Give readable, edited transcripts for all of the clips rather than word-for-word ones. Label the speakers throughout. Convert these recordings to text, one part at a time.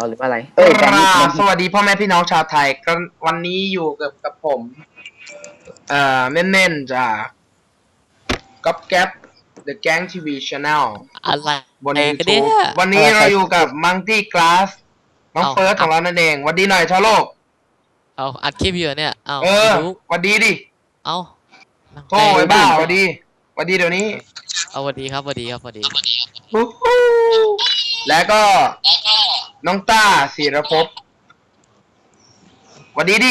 Speaker 1: หรือว่าอะไร
Speaker 2: กราบสวัสดีพ่อแม่พี่น้องชาวไทยก็วันนี้อยู่กับผมเม่นๆจากก๊อปแก๊ป The Gang TV Channel
Speaker 3: อะไร
Speaker 2: บน
Speaker 3: เนี่ย
Speaker 2: YouTube วันนี้เราอยู่กับ Monkey Glass น้องเฟิร์สของเรานั่นเองวันดีหน่อยชาวโลก
Speaker 3: เอาอัดคลิปอยู่เนี่ยเอา
Speaker 2: วันดีดิ
Speaker 3: เอา
Speaker 2: โธ่ไอ้บ้าวันดีเดี๋ยวนี้
Speaker 3: เอาวันดีครับวันดีครับวันดี
Speaker 2: แล้วก็น้องต้าศิรภพวันดีดิ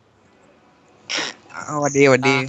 Speaker 4: วันดี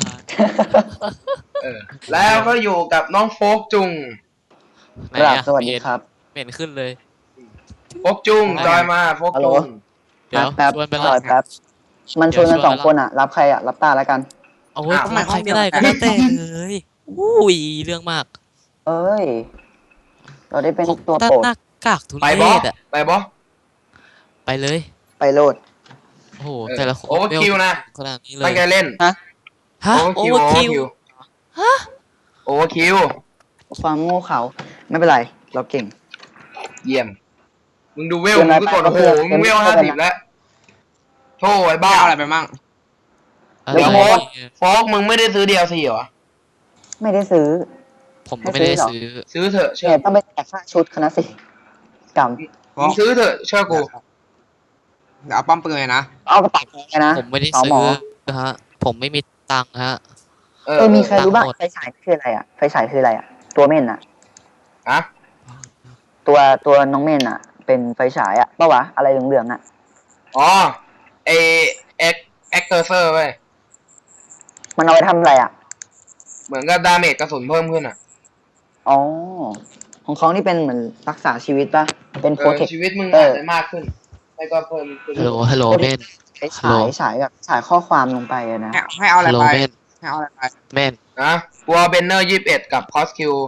Speaker 2: แล้วก็อยู่กับน้องโฟกจุง
Speaker 1: สวัสดีครับ
Speaker 3: เห็นขึ้นเลย
Speaker 2: โฟกจุงจอยมาโฟกจุง
Speaker 3: เดี๋ยวชวนไปแล้ว
Speaker 1: แป๊บมันชวนกัน2 คนอ่ะรับใครอ่ะรับตาแล้วกัน
Speaker 3: เอาไว้ใครก็ได้ก็แล้วแต่เลยอุ้ยเรื่องมาก
Speaker 1: เอ้ยเราได้เป็นตัวโปรด
Speaker 3: หน้ากากทุเรศอ่ะไปเลย
Speaker 1: ไปโหลด
Speaker 3: โอ้โหแต่ละคน
Speaker 2: โอเวอร์คิวนะ
Speaker 3: ขนาดนี้เลย
Speaker 2: ตั้งใจเล่น
Speaker 3: ฮะโอเวอร์คิว
Speaker 2: ฮะโอเวอร์คิว
Speaker 1: ความโง่เขาไม่เป็นไรเราเก่ง
Speaker 2: เยี่ยมมึงดูเวลมึงก็กดโอ้โหมึงเวล50แล้วโธ่ไอ้บ้า
Speaker 4: อะไรไปมั่ง
Speaker 2: เดี๋ยวโฟกมึงไม่ได้ซื้อ DLC เหรอ
Speaker 1: ไม่ได้ซื้อ
Speaker 3: ผมก็ไม่ได้ซื้
Speaker 2: อเถอะ
Speaker 1: เชื่อต้องไปแจกค่าชุดคณะสิกรรม
Speaker 2: มึงซื้อเถอะเชื่อกู
Speaker 4: เอาป้อมปืนเลยนะ
Speaker 1: เอากระเป๋าไปนะ
Speaker 3: ผมไม่ได้ซื้อฮะผมไม่มีตังค์ฮะ
Speaker 1: มีใครรู้บ้างไฟฉายคืออะไรอ่ะไฟฉายคืออะไรอ่ะตัวเม่นอ่ะ
Speaker 2: อะ
Speaker 1: ตัวน้องเม่นอ่ะเป็นไฟฉายอ่ะป่าวะอะไรเหลืองๆอ่ะ
Speaker 2: อ๋อไอเอ็กเตอร์เซอร์เว้ย
Speaker 1: มันเอาไปทำอะไรอ่ะ
Speaker 2: เหมือนกับดาเมจกระสุนเพิ่มขึ้นอ่ะ
Speaker 1: อ๋อของเขานี่เป็นเหมือนรักษาชีวิตป่ะเป็นโปรเทค
Speaker 2: ชีวิตมึงอาจจะมากขึ้นแล้วก็เพิ่ม
Speaker 3: ฮัลโหลเม่น
Speaker 1: ฉายแบบฉายข้อความลงไปนะ
Speaker 4: ให้เอาอะไรไปให้เอาอะไรไป
Speaker 3: เม่น
Speaker 2: นะตัวเบนเนอร์21กับคอสคิว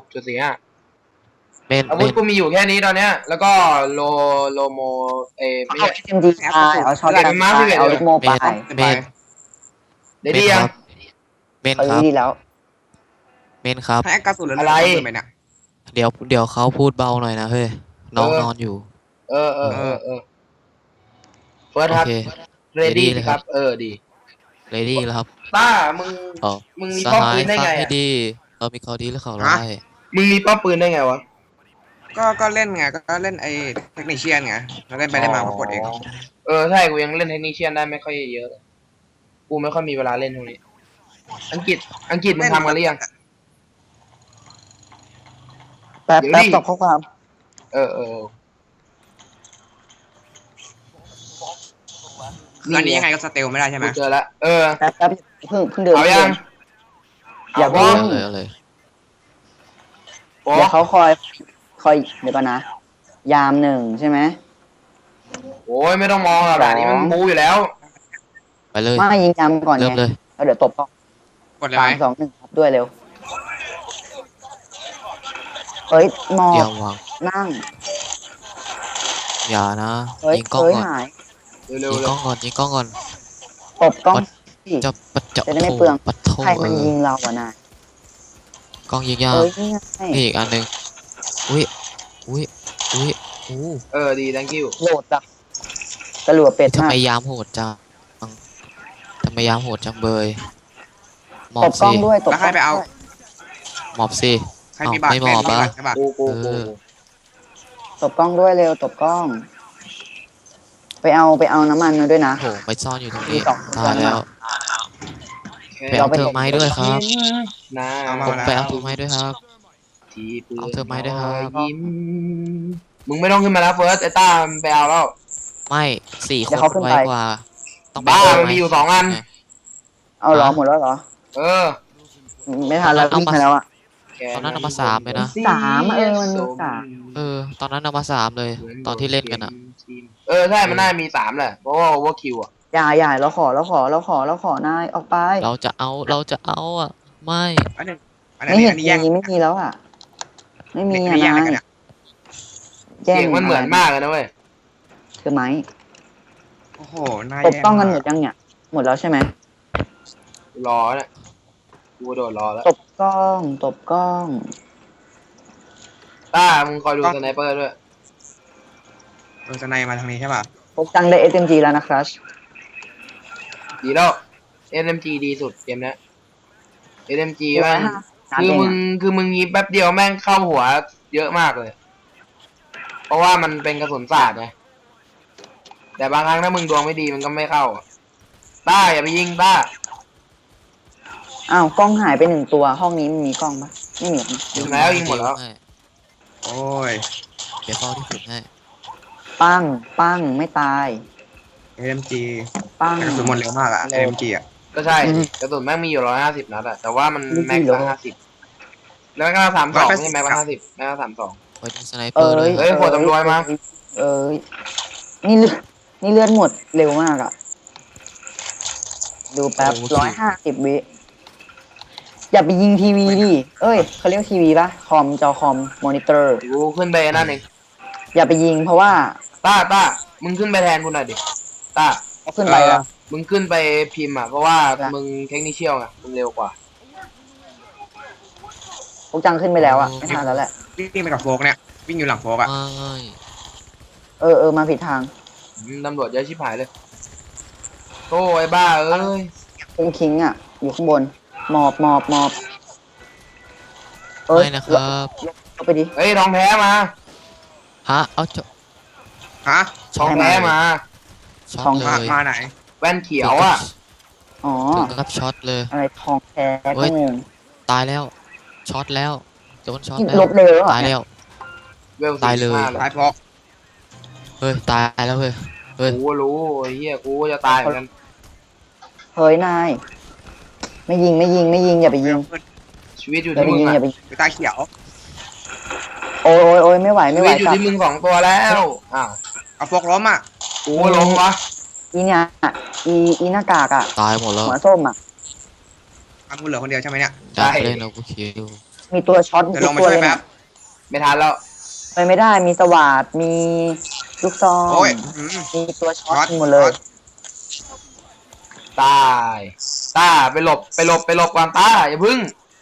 Speaker 2: .45
Speaker 3: เม่น
Speaker 2: อาวุธกูมีอยู่แค่นี้ตอนเนี้ยแล้วก็โลโม
Speaker 1: ไม่ใช่MGเอาช็อตกันเอาลูกโม่ไป
Speaker 3: เม่น
Speaker 2: ได้ดียัง
Speaker 3: เม่นครับ
Speaker 1: ดีแล้ว
Speaker 3: เม่นครับ
Speaker 4: ให้กระสุน
Speaker 2: อะไร
Speaker 3: เดี๋ยวเขาพูดเบาหน่อยนะเฮ้ยน้องนอนอยู่
Speaker 2: เฟิร์สครับเรดี้ครับดี
Speaker 3: เรดี้แล้วครับ
Speaker 2: ต้ามึงมีป้อมปืนได้ไง
Speaker 3: ดีเรามีเขาดีแล้วเขาไล่
Speaker 2: มึงมีป้อมปืนได้ไงวะ
Speaker 4: ก็เล่นไงก็เล่นไอ้เทคนิคเชียนไงเราเล่นไปได้มาปรากฏเอง
Speaker 2: ใช่กูยังเล่นเทคนิคเชียนได้ไม่ค่อยเยอะกูไม่ค่อยมีเวลาเล่นตรงนี้อังกฤษมึงทำกันหรือยัง
Speaker 1: แป๊บตอบข้อความ
Speaker 4: อันนี้ยังไงก็สเตลไม่ได้ใช่ไหม
Speaker 2: เจอแล้ว
Speaker 1: แป๊บเพิ่งเดิน
Speaker 2: เอายัง
Speaker 1: อย่าเพิ่ง
Speaker 3: เลย
Speaker 1: เดี๋ยวเขาคอยเดี๋ยวก่อนนะยาม1ใช่ไหม
Speaker 2: โอ้ยไม่ต้องมองแบบนี้มันบูอยู่แล้ว
Speaker 3: ไปเลย
Speaker 1: ไม่ยิงยามก่อนไงแล้วเดี๋ยวตบต่
Speaker 4: อกดเลยไหม
Speaker 1: 3 2 1ครับด้วยเร็วเฮ้ยมองนั่ง
Speaker 3: อย่านะยิงกล้องก่อนยิงกล้องก่อน
Speaker 1: ตบกล้อง
Speaker 3: จะ
Speaker 1: ได้ไม่เปลืองใครมันยิงเราอ่ะนาย
Speaker 3: กล้องยิงยากนี่อีกอันนึงอุ้ย
Speaker 2: ดี thank you
Speaker 1: โหลดจังกระหลัวเป็ด
Speaker 3: ทำไมยามโหดจังเบย
Speaker 1: ตบกล้องด้วยตบ
Speaker 4: ใครไปเอา
Speaker 3: หมอบสิไม่หมอบปะ
Speaker 1: ตบกล้องด้วยเร็วตบกล้องไปเอาน้ำมันมาด้วยนะ
Speaker 3: โหไปซ่อนอยู่ตรงนี้ตายแล้วไปเอาเธอไม้ด้วยครับผมไปเอาเธอไม้ด้วยครับเอาเธอไม้ด้วยครับ
Speaker 2: มึงไม่ต้องขึ้นมาแล้วเฟิร์สไอ้ต้าไปเอาแล้ว
Speaker 3: ไม่4 คนไวกว่า
Speaker 2: ต้องบ้ามันมีอยู่2 อัน
Speaker 1: เอาหรอหมดแล้วเหรอไม่ทันแล้ววิ่งไปแล้วอ่ะ
Speaker 3: ตอนนั้นเอามา3เลยนะ
Speaker 1: 3มันมี
Speaker 3: 3ตอนนั้นเอามา3เลยตอนที่เล่นกันอ่ะ
Speaker 2: ใช่มันน่ามี3แหละเพราะว่าโอเวอร์คิวอ่ะ
Speaker 1: อย่าเราขอนายออกไป
Speaker 3: เราจะเอาอ่ะไม่
Speaker 1: เห็นไม่มีแล้วอ่ะไม่มีอ่ะนาย
Speaker 2: เสียงมันเหมือนมากเลยนะเว้ย
Speaker 1: คือไหม
Speaker 4: โอ้โหนาย
Speaker 1: ตบกล้องกันหมดยังเนี่ยหมดแล้วใช่ไหม
Speaker 2: รอเนี่ยกูโดดรอแล้ว
Speaker 1: ตบกล้อง
Speaker 2: ต้ามึงคอยดูสไนเปอร์ด้วย
Speaker 4: สไนมาทางนี้ใช่ป่ะ
Speaker 1: พกจังได้ SMG แล้วนะครับ
Speaker 2: ดีแล้ว SMG ดีสุดเกมเนี้ย SMG แม่ง
Speaker 1: นัด
Speaker 2: คือ
Speaker 1: เอง
Speaker 2: มึง
Speaker 1: อะ
Speaker 2: คือมึงยิงแป๊บเดียวแม่งเข้าหัวเยอะมากเลย เพราะว่ามันเป็นกระสุนศาสตร์ไงแต่บางครั้งถ้ามึงดวงไม่ดีมันก็ไม่เข้าต้าอย่าไปยิงต้า
Speaker 1: อ้าวกล้องหายไปหนึ่งตัวห้องนี้มันมีกล้องปะไม่มีหรอกนะ
Speaker 2: ยิงแล้วยิงหมดแล้ว
Speaker 3: ให้
Speaker 4: โอ้ย
Speaker 3: เดี๋ยวเฝ้าที่ฝึกให้
Speaker 1: ปั้งปั้งไม่ตาย
Speaker 4: AMG
Speaker 1: ปั้ง
Speaker 4: แต่กระสุนหมดเร็วมากอะ AMG อะ
Speaker 2: ก็ใช่
Speaker 1: อืม
Speaker 2: กระสุนแม่งมีอยู่150 นัดอะแต่ว่ามัน
Speaker 1: ไม่
Speaker 2: แม็ก
Speaker 1: ดี
Speaker 2: ซ์
Speaker 1: เหรอ
Speaker 2: ละ50แล้วก็32ไม่ใช่แม็กซ์ละ50แม็กซ์ละ32
Speaker 3: ไว้ตรงสไนเปอร์ด้วย
Speaker 2: เฮ้ยหัวตำรวจมา
Speaker 1: เอ้ยนี่เลือดหมดเร็วมากอะดูแป๊บ150 วิอย่าไปยิงทีวีดิเอ้ยเขาเรียกทีวีปะคอมจอคอมมอนิเตอร์
Speaker 2: กูขึ้นไปนั่นเอง
Speaker 1: อย่าไปยิงเพราะว่า
Speaker 2: ต้ามึงขึ้นไปแทนกูหน่อยดิต้า
Speaker 1: เขาขึ้นไปแล้ว
Speaker 2: มึงขึ้นไปพิมพ์อ่ะเพราะว่า
Speaker 1: จ้ะ
Speaker 2: มึงเทคนิคเชียลไงมึงเร็วกว่า
Speaker 1: พวกจังขึ้นไปแล้วอะไม่ทันแล้วแหละ
Speaker 4: วิ่งไปกับโฟกเนี่ยวิ่งอยู่หลังโฟกอะ
Speaker 3: ไม่
Speaker 1: มาผิดทาง
Speaker 2: ตำรวจเยอะชิบหายเลยโอ้ไอ้บ้าเอ้ย
Speaker 1: คิงอะอยู่ข้างบนหมอบ
Speaker 3: ไม่นะครับ
Speaker 1: ลงไปดิ
Speaker 2: เฮ้ยทองแท้มา
Speaker 3: ฮะเอาจ
Speaker 4: ฮะ
Speaker 2: ทองแท้มา
Speaker 3: ช็อ
Speaker 1: ทอง
Speaker 3: ตเล
Speaker 4: มาย ไหน
Speaker 2: แว่นเขียวอ่ะ
Speaker 1: อ๋อ
Speaker 3: ถึงกับช็อตเลย
Speaker 1: อะไรทองแท้
Speaker 3: เฮ้
Speaker 1: ก็
Speaker 3: ย
Speaker 1: งง
Speaker 3: ตายแล้วช็อตแล้วโดนช็อต
Speaker 1: ล
Speaker 3: แล้ว
Speaker 1: บเร็วแล้วเหรอ
Speaker 3: ตายแล้ว
Speaker 2: เวล
Speaker 3: ตายเลย
Speaker 2: 45
Speaker 4: ท้ายโฟก
Speaker 3: เฮ้ยตายแล้วเฮ้ยเฮ้ย
Speaker 2: กูก็รู้ไอ้เหี้ยกูก็จะตายเหมือนกัน
Speaker 1: เฮ้ยนาย ไม่ยิงอย่าไปยิง
Speaker 2: ชีวิตอยู่
Speaker 1: อย่า
Speaker 2: ที่
Speaker 1: ไป
Speaker 2: มึง
Speaker 1: ยิง
Speaker 2: อ่ะ
Speaker 1: อย่าไปยิง
Speaker 4: ไปตาเขียว
Speaker 1: โอ้ยไม่ไหว
Speaker 2: ชี
Speaker 1: ไม่ไหว
Speaker 2: วิตอยู่
Speaker 1: กลับ
Speaker 2: ที่มึง2 ตัวแล้วอ้าว
Speaker 4: เอาโฟกล้มอะ
Speaker 2: กูก็ล้มวะ
Speaker 1: อีเนี่ยอีหน้ากากอะ
Speaker 3: ตายหมดแล้ว
Speaker 1: หัวส้มอะ
Speaker 4: เอากูเหลือคนเดียวใช่ไหมเนี่ย
Speaker 3: อยากเล่นเอากูคิว
Speaker 1: มีตัวช็อต
Speaker 4: เดี๋ยว
Speaker 1: ทุ
Speaker 4: ล
Speaker 1: ก
Speaker 4: งไป
Speaker 1: ตัว
Speaker 4: ช่วย
Speaker 1: เลย
Speaker 4: แป๊
Speaker 1: นะ
Speaker 4: บ
Speaker 2: ไม่ทันแล้ว
Speaker 1: ไปไม่ได้มีสวาดมีลูกซอง
Speaker 4: โอ้ย
Speaker 1: มีตัวช็อ
Speaker 4: ช็อ
Speaker 1: ต
Speaker 4: ต
Speaker 1: หมดเลย
Speaker 2: ตายต้าไปหลบก่อนต้าอย่าพึ่ง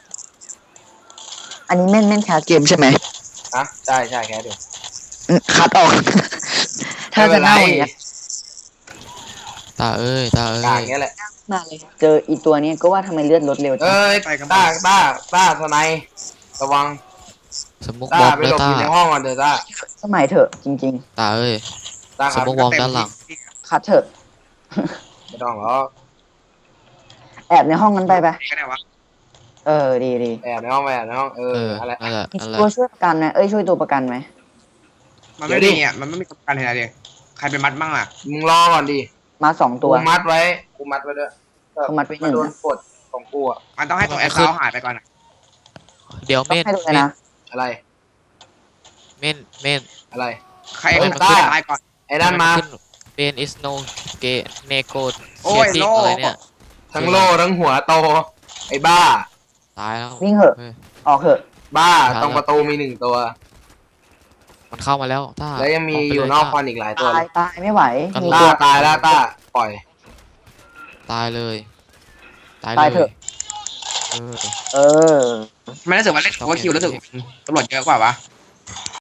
Speaker 1: อันนี้แม่นแคสเกมใช่ไหม
Speaker 2: ฮะใช่แค่เดียว
Speaker 1: คัดออก ถ้าจะเน่าอย่างเงี้ย
Speaker 3: ตาเอ้ย
Speaker 2: กลางเงี้ยแหละ
Speaker 1: มาเลยเจออีตัวเนี้ยก็ว่าทำไมเลือดลดเร็วจัง
Speaker 2: เอ้ยต้าสไนด์ระวัง
Speaker 3: สมุกบ
Speaker 2: ต้า
Speaker 3: อม
Speaker 2: ไป
Speaker 3: เลย
Speaker 2: หลบ
Speaker 3: ตา
Speaker 2: อยู่ในห้องก่อนเถอะต้า
Speaker 1: สมัยเถอะจริง
Speaker 3: ตาเอ้ย
Speaker 2: ต้าครับ
Speaker 3: สมมุติ วอร์มด้านหลัง
Speaker 1: ๆ คัดเถอะ
Speaker 2: ไม่ต้องหรอก
Speaker 1: แอบในห้องนั้นไป
Speaker 4: ก็ได้วะ
Speaker 1: ดี
Speaker 2: แอบในห้อง
Speaker 3: เออ
Speaker 2: อะไร
Speaker 3: นั่นแหละ
Speaker 1: มี
Speaker 3: นั่นแหละ
Speaker 1: ตัวช่วยประกันไหมช่วยตัวประกันไหม
Speaker 4: มันไม่มีอะมันไม่มีประกันอะไรเลยใครไปมัดบ้างล่ะ
Speaker 2: มึงรอก่อนดิ
Speaker 1: มา2
Speaker 2: กู
Speaker 1: ตัว
Speaker 2: มัดไว้ด้วย
Speaker 1: กูมัดไว้หนึ่ง
Speaker 2: โดนกดของกูอะ
Speaker 4: มันต้องให้ตัวแอคเคาท์หายไปก่อนอะ
Speaker 3: เดี๋ยว
Speaker 1: ต้อง
Speaker 3: เม่น
Speaker 1: ให้ดูเลยนะ
Speaker 2: อะไร
Speaker 3: เม่นเม่น
Speaker 2: อะไร
Speaker 4: ใคร
Speaker 2: เฮ้ย
Speaker 4: มัน
Speaker 2: ตาย
Speaker 4: ตายก่อน
Speaker 2: ไอ้นั่นมา
Speaker 3: เบนอิสโนเกเนโก
Speaker 4: โอ้
Speaker 3: เชีย
Speaker 4: ย
Speaker 3: ติ้ง
Speaker 4: โล่
Speaker 3: อะไรเนี่ย
Speaker 2: ทั้งโล่ทั้งหัวโต ไอ้บ้า
Speaker 3: ตายแล้ว
Speaker 1: วิ่งเหอะ
Speaker 3: ฮ้ย
Speaker 1: ออกเหอะ
Speaker 2: บ้า
Speaker 3: ครับ
Speaker 2: ตรงประตูมี1 ตัว
Speaker 3: มันเข้ามาแล้วต้า
Speaker 2: แล้วยังมี
Speaker 3: ไป
Speaker 2: อยู่
Speaker 3: เล
Speaker 2: นอก
Speaker 3: ต้า
Speaker 2: ควันอีกหลายตัวเลย
Speaker 1: ตายไม่ไหว
Speaker 3: กัน
Speaker 1: มี
Speaker 3: ล่
Speaker 1: ตัว
Speaker 2: ตายแล้วต้าปล่อย
Speaker 3: ตายเลยตาย
Speaker 1: ตาย
Speaker 3: เล
Speaker 1: เถ
Speaker 3: ย
Speaker 1: อะ
Speaker 3: เออ
Speaker 1: เออ
Speaker 4: มันรู้สึกว่าเล่นโอเวอร์คิวรู้สึกตำรวจเยอะกว่าวะ